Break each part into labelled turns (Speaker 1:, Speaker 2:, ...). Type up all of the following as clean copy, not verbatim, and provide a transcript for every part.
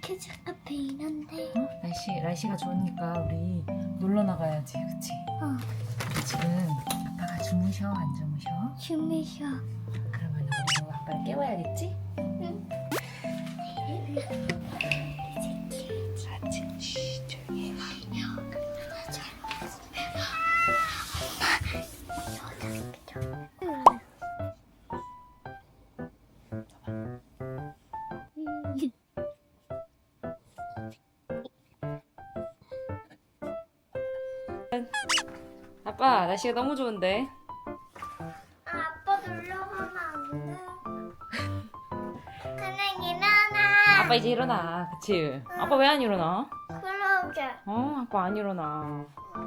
Speaker 1: 키즈 카페인 한데.
Speaker 2: 날씨가 좋으니까 우리 놀러 나가야지, 그치? 근데 지금 아빠가 주무셔, 안 주무셔?
Speaker 1: 주무셔.
Speaker 2: 그러면 우리도 아빠를 깨워야겠지?
Speaker 1: 응.
Speaker 2: 아침, 쉬, 조용히 해. 아빠, 날씨가 너무 좋은데?
Speaker 1: 아빠 놀러 가면 안 돼. 그냥 일어나.
Speaker 2: 아빠 이제 일어나, 그치? 아빠 왜 안 일어나?
Speaker 1: 그러게.
Speaker 2: 아빠 안 일어나.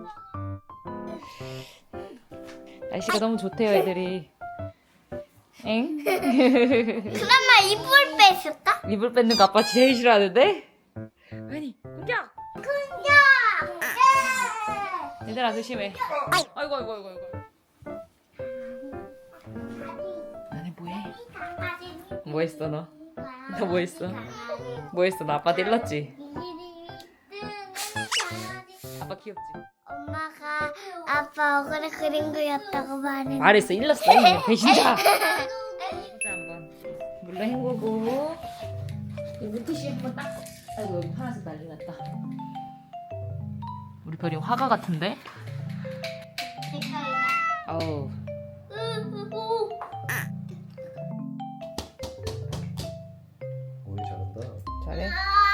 Speaker 2: 날씨가 너무 좋대요, 애들이. 엥?
Speaker 1: 그나마 이불 뺐을까?
Speaker 2: 이불 뺏는 거 아빠 제일 싫어하는데? 아니, 공격!
Speaker 1: 그냥.
Speaker 2: 얘들아, 조심해. 아이고. 너네 뭐해? 뭐 했어, 너? 너 뭐 했어? 뭐 했어? 나 아빠 일렀지? 아빠 귀엽지?
Speaker 1: 엄마가 아빠 얼굴에 그린 거였다고 말했는데.
Speaker 2: 말했어, 일렀어, 이미. 배신자! 진짜 한번 물로 헹구고 이 물티슈 한번 딱. 아이고, 여기 파란색 난리 났다. 우리 별이 화가 같은데? 어우.
Speaker 3: 오이 잘한다.
Speaker 2: 잘해.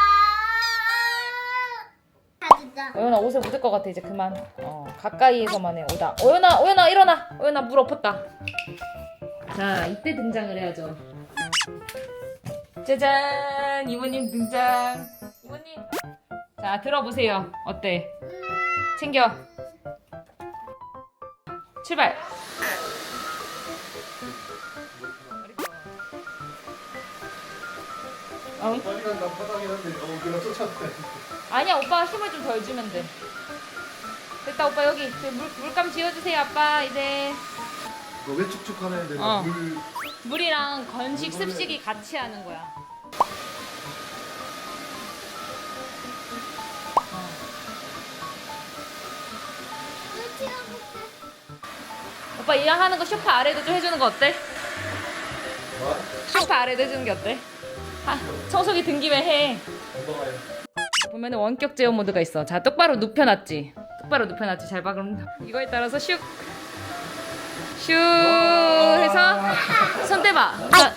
Speaker 1: 진짜.
Speaker 2: 오연아, 옷에 묻을 것 같아. 이제 그만. 가까이에서만 해. 오다. 오연아 일어나. 오연아, 물 엎었다. 자, 이때 등장을 해야죠. 짜잔, 이모님 등장. 이모님. 자, 들어보세요. 어때? 챙겨. 출발.
Speaker 3: 빨리 간다 파닥이 한데 그냥 쫓았대.
Speaker 2: 아니야, 오빠가 힘을 좀 덜 주면 돼. 됐다, 오빠 여기 물감 지어주세요, 아빠. 이제
Speaker 3: 너 왜 축축하네 애들.
Speaker 2: 어.
Speaker 3: 물
Speaker 2: 물이랑 건식 습식이 같이 하는 거야. 오빠 이왕 하는 거 쇼파 아래도 좀 해주는 거 어때?
Speaker 3: 뭐?
Speaker 2: 쇼파 아래도 해주는 게 어때? 청소기 든 김에 해.
Speaker 3: 엉덩아리.
Speaker 2: 보면은 원격 제어 모드가 있어. 자, 똑바로 눕혀놨지. 잘 봐. 그럼 이거에 따라서 슉 해서 손 떼봐. 자.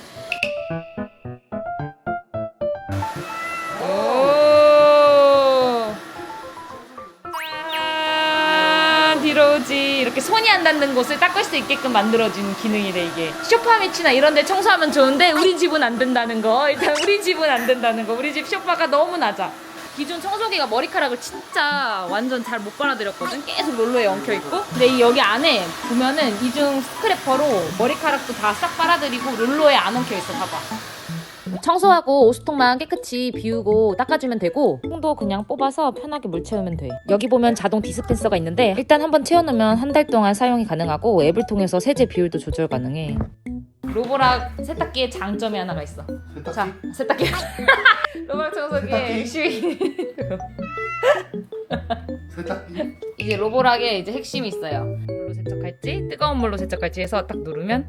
Speaker 2: 오. 짠, 뒤로 오지. 이렇게 손이 안 닿는 곳을 닦을 수 있게끔 만들어주는 기능이래, 이게. 소파 밑이나 이런 데 청소하면 좋은데 우리 집은 안 된다는 거. 일단 우리 집은 안 된다는 거. 우리 집 소파가 너무 낮아. 기존 청소기가 머리카락을 진짜 완전 잘 못 빨아들였거든. 계속 롤러에 엉켜있고. 근데 이 여기 안에 보면은 이중 스크래퍼로 머리카락도 다 싹 빨아들이고 롤러에 안 엉켜있어. 봐봐. 청소하고 오수통만 깨끗이 비우고 닦아주면 되고, 통도 그냥 뽑아서 편하게 물 채우면 돼. 여기 보면 자동 디스펜서가 있는데 일단 한번 채워놓으면 한 달 동안 사용이 가능하고 앱을 통해서 세제 비율도 조절 가능해. 로보락 세탁기의 장점이 하나가 있어.
Speaker 3: 세탁기?
Speaker 2: 자, 세탁기. 로보락 청소기의 핵심이
Speaker 3: 세탁기?
Speaker 2: 이게 로보락의 이제 핵심이 있어요. 물로 세척할지 뜨거운 물로 세척할지 해서 딱 누르면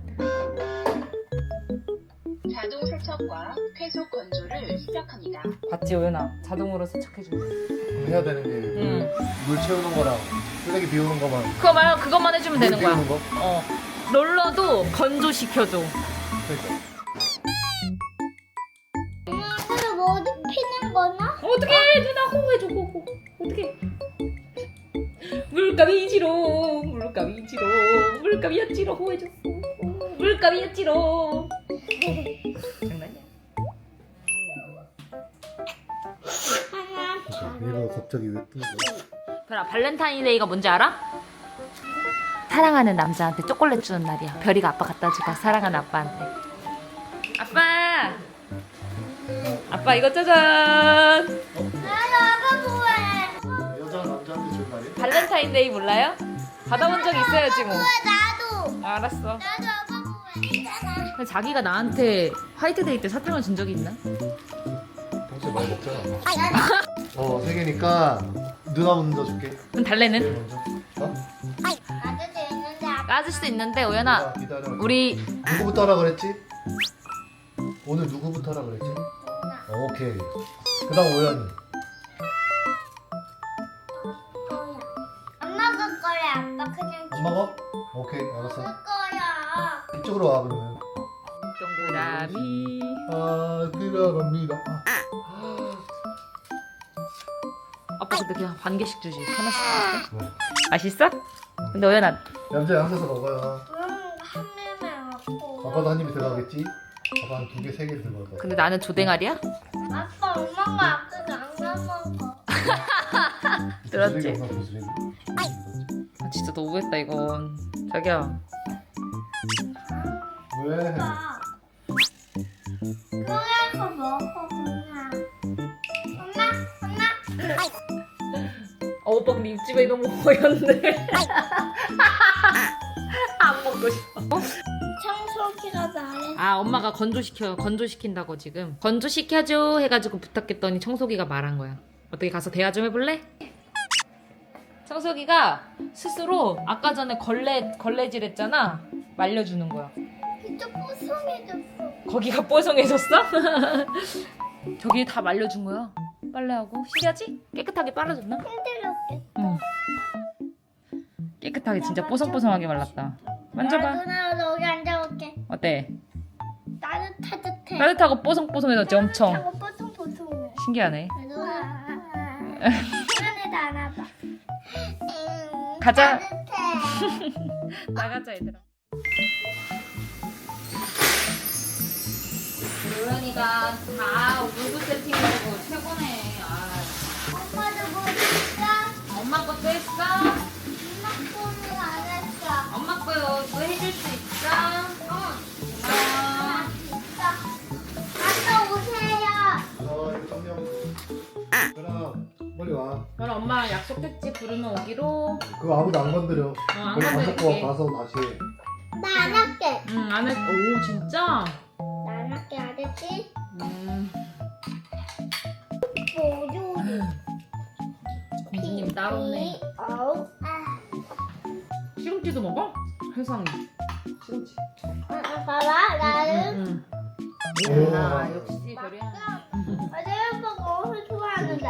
Speaker 4: 자동 세척과 쾌속 건조를 시작합니다.
Speaker 2: 봤지, 오연아? 자동으로 세척해준대.
Speaker 3: 해야 되는 게 물 채우는 거랑 쓰레기 비우는 거만.
Speaker 2: 그것만 해주면 되는 거야.
Speaker 3: 비우는 거?
Speaker 2: 롤러도 건조시켜줘.
Speaker 3: 그러니까.
Speaker 1: 그래서 뭐 어디 피는 거나?
Speaker 2: 어떡해, 누나 호호해줘, 호호. 어떡해. 물감이지롱, 물감이었지롱, 호해줬어. 물감이었지롱. 장난이야.
Speaker 3: 얘가 갑자기 왜 뜬 거야?
Speaker 2: 별아, 발렌타인데이가 뭔지 알아? 사랑하는 남자한테 초콜릿 주는 날이야. 별이가 아빠 갖다 주고 사랑하는 아빠한테. 아빠 이거 짜잔.
Speaker 1: 나가 뭐해?
Speaker 3: 여자 남자한테 준 날이야?
Speaker 2: 발렌타인데이 몰라요? 받아본 적 있어야지 뭐.
Speaker 1: 나도.
Speaker 2: 알았어.
Speaker 1: 나도 아빠 뭐해?
Speaker 2: 근데 자기가 나한테 화이트데이 때 사탕을 준 적이 있나?
Speaker 3: 평소에 많이 먹잖아. 3개니까 누나 먼저 줄게.
Speaker 2: 그럼 달래는?
Speaker 3: 제일 먼저. 어?
Speaker 1: 나도 있는데 아빠
Speaker 2: 까질 수도 있는데 오연아
Speaker 3: 기다려.
Speaker 2: 우리
Speaker 3: 누구부터 하라 그랬지? 오늘 누구부터 하라 그랬지? 오케이. 그다음 오연이.
Speaker 1: 거야. 엄마가 거래 아빠 그냥
Speaker 3: 엄마가? 오케이, 알았어.
Speaker 1: 먹을 거야.
Speaker 3: 이쪽으로 와 그러면.
Speaker 2: 동그라미.
Speaker 3: 들어갑니다.
Speaker 2: 아빠 근데 그냥 반 개씩 주지. 하나씩
Speaker 3: 네.
Speaker 2: 맛있어? 근데 오연아
Speaker 3: 얌전히 앉아서 먹어요.
Speaker 1: 한 입만 먹고.
Speaker 3: 아빠도 한 입이 들어가겠지? 아빠 한 2개, 3개 들어갈 거야.
Speaker 2: 근데 나는 조댕아리야?
Speaker 1: 아빠 엄마가 아까 안 먹어.
Speaker 2: 들었지?
Speaker 3: 쓰레기 없나, 그 쓰레기?
Speaker 2: 아, 진짜 너무했다 이건. 자기야
Speaker 3: 왜?
Speaker 1: 그래서 먹어 그냥. 엄마.
Speaker 2: 오빠 근데 입집에 너무 허연데. 안 먹고 싶어.
Speaker 1: 청소기가 말해.
Speaker 2: 아 엄마가 건조시킨다고 지금 건조시켜줘 해가지고 부탁했더니 청소기가 말한 거야. 어떻게 가서 대화 좀 해볼래? 청소기가 스스로 아까 전에 걸레질 했잖아. 말려주는 거야.
Speaker 1: 진짜 뽀송해졌어.
Speaker 2: 거기가 뽀송해졌어? 저기 다 말려준 거야. 빨래하고 신기하지? 깨끗하게 빨아줬나?
Speaker 1: 힘들었겠다.
Speaker 2: 응. 깨끗하게 진짜 뽀송뽀송하게 말랐다. 만져봐.
Speaker 1: 누나 여기 앉아볼게.
Speaker 2: 어때?
Speaker 1: 따뜻해.
Speaker 2: 따뜻하고 뽀송뽀송해졌지 엄청.
Speaker 1: 하고 뽀송뽀송해.
Speaker 2: 신기하네.
Speaker 1: 누나. 시간에도 안 와봐.
Speaker 2: 가자.
Speaker 1: 따뜻해.
Speaker 2: 나가자 얘들아. 로연이가 다 물구 세팅하고 최고네.
Speaker 1: 엄마도 뭐 했어?
Speaker 2: 엄마 것도 했어?
Speaker 1: 엄마 거는 안 했어.
Speaker 2: 엄마 거도 해줄 수 있어? 고마워.
Speaker 1: 아빠 오세요.
Speaker 3: 이거 그럼 빨리 와.
Speaker 2: 그럼 엄마 약속했지 부르면 오기로.
Speaker 3: 그거 아무도 안 건드려.
Speaker 2: 안
Speaker 3: 거기 밥
Speaker 2: 건드릴게.
Speaker 3: 먹고 가서 다시 해.
Speaker 1: 나 안 할게.
Speaker 2: 응, 안 했. 오 진짜?
Speaker 1: 나 안 할게. 알았지? 뭐요?
Speaker 2: 공주님 따로 없네.
Speaker 1: 어우.
Speaker 2: 시금치도 먹어? 세상에. 시금치.
Speaker 1: 봐봐. 나는
Speaker 2: 아 역시 별이야.
Speaker 1: 어제 오빠가 엄청 좋아하는데.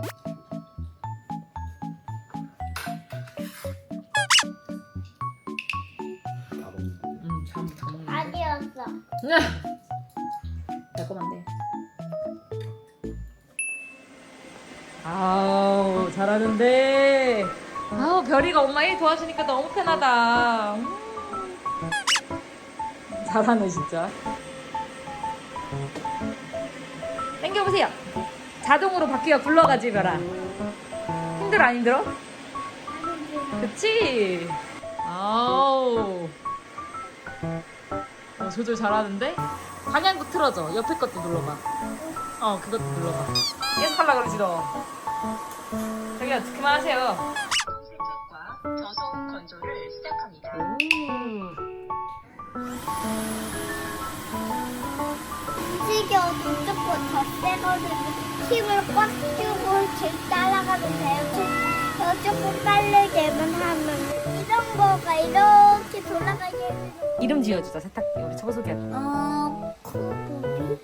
Speaker 2: 참.
Speaker 1: 아니었어.
Speaker 2: 달콤한데. 아우 잘하는데. 아우 별이가 엄마 일 도와주니까 너무 편하다. 잘하네 진짜. 당겨보세요. 자동으로 바퀴가 굴러가지 별아. 힘들어 안 힘들어? 그치? 아우. 조절 잘하는데? 방향도 틀어줘. 옆에 것도 눌러봐. 그것도 눌러봐. 계속 하려고 그러지 너. 자기야 그만하세요.
Speaker 4: 자동 세척과 저속 건조를 시작합니다.
Speaker 1: 움직여 무조건 더 세거든. 힘을 꽉 주고 질 따라가면 돼요. 조금 빠르게만 하면 이런 거가 이렇게 돌아가게.
Speaker 2: 이름 지어주자 세탁기 우리 청소기한테.
Speaker 1: 코보비?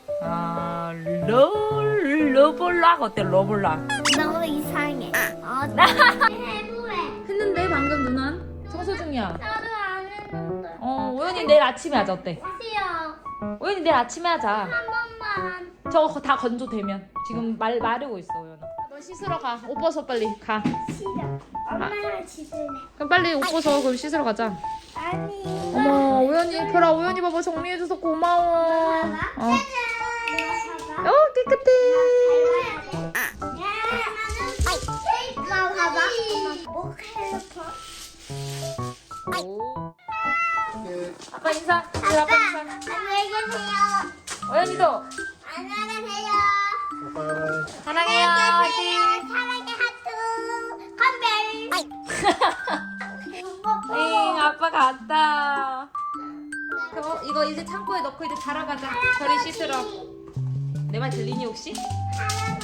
Speaker 2: 러블락 어때 러블락?
Speaker 1: 너무 이상해. 나 해부해.
Speaker 2: 했는데 방금 누나 청소 중이야.
Speaker 1: 나도 안 했는데.
Speaker 2: 오연이 내일 아침에 하자 어때?
Speaker 1: 싫어.
Speaker 2: 오연이 내일 아침에 하자.
Speaker 1: 한 번만.
Speaker 2: 저거 다 건조되면 지금 마르고 있어 오연아. 너 씻으러 가. 옷 벗어 빨리 가.
Speaker 1: 싫어. 엄마랑 짖을래.
Speaker 2: 그럼 빨리 옷 벗어 그럼 씻으러 가자.
Speaker 1: 아니.
Speaker 2: 어머 오연이 별아 오연이 봐봐 정리해줘서 고마워.
Speaker 1: 봐봐. 봐봐.
Speaker 2: 깨끗해.
Speaker 1: 나 봐봐. 뭐 해놓고.
Speaker 2: 오.
Speaker 3: 오케이.
Speaker 2: 아빠 인사. 우리 아빠 인사.
Speaker 1: 안녕히 계세요.
Speaker 2: 오연이도
Speaker 1: 안녕히 계세요.
Speaker 3: 바이바이.
Speaker 2: 사랑해요. 화이팅.
Speaker 1: 사랑의 하트. 컴백.
Speaker 2: 응 아빠 갔다. 그럼 이거 이제 창고에 넣고 이제 자러 가자. 저리 씻으러. 내 말 들리니 혹시?
Speaker 1: 사랑의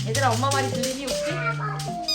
Speaker 2: 얘들아 엄마 말이 들리니 혹시?